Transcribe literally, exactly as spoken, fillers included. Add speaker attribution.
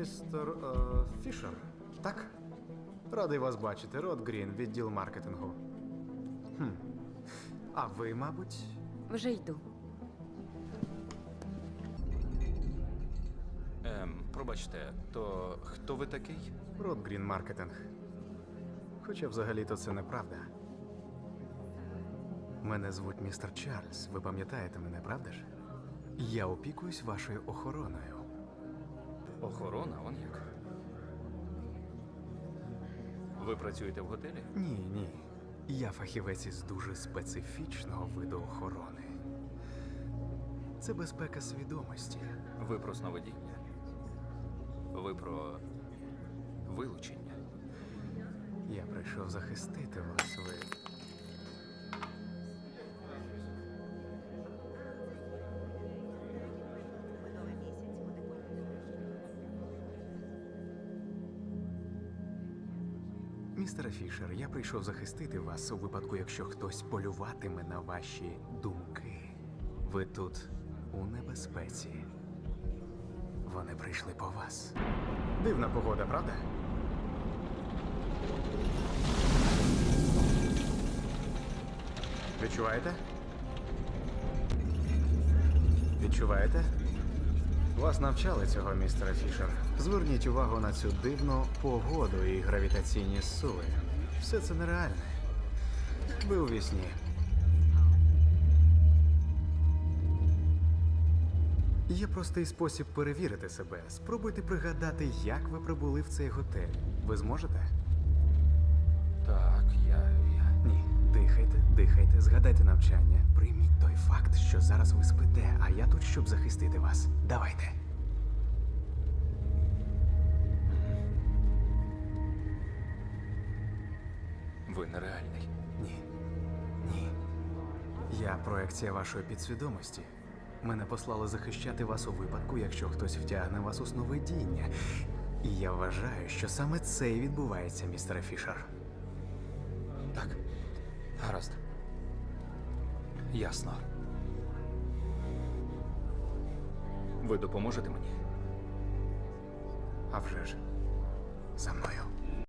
Speaker 1: Містер е, Фішер, так? Радий вас бачити. Род Грін, відділ маркетингу. Хм. А ви, мабуть,
Speaker 2: Вже йду.
Speaker 3: Ем, пробачте, то хто ви такий?
Speaker 1: Род Грін маркетинг. Хоча взагалі-то це неправда. Мене звуть містер Чарльз. Ви пам'ятаєте мене, правда ж? Я опікуюсь вашою охороною.
Speaker 3: Охорона, он як? Ви працюєте в готелі?
Speaker 1: Ні, ні. Я фахівець із дуже специфічного виду охорони. Це безпека свідомості.
Speaker 3: Ви про сновидіння? Ви про вилучення?
Speaker 1: Я прийшов захистити вас, ви. Містере Фішер, я прийшов захистити вас у випадку, якщо хтось полюватиме на ваші думки. Ви тут у небезпеці. Вони прийшли по вас. Дивна погода, правда? Відчуваєте? Відчуваєте? Вас навчали цього, містере Фішер. Зверніть увагу на цю дивну погоду і гравітаційні сили. Все це нереальне. Ви у вісні. Є простий спосіб перевірити себе. Спробуйте пригадати, як ви прибули в цей готель. Ви зможете?
Speaker 3: Так, я. я...
Speaker 1: Ні. Дихайте, дихайте, згадайте навчання. Прийміть той факт, що зараз ви спите, а я тут, щоб захистити вас. Давайте.
Speaker 3: Ви нереальний.
Speaker 1: Ні. Ні. Я проекція вашої підсвідомості. Мене послали захищати вас у випадку, якщо хтось втягне вас у сновидіння. І я вважаю, що саме це і відбувається, містере Фішер.
Speaker 3: Так. Гаразд. Ясно. Ви допоможете мені?
Speaker 1: А вже ж. За мною.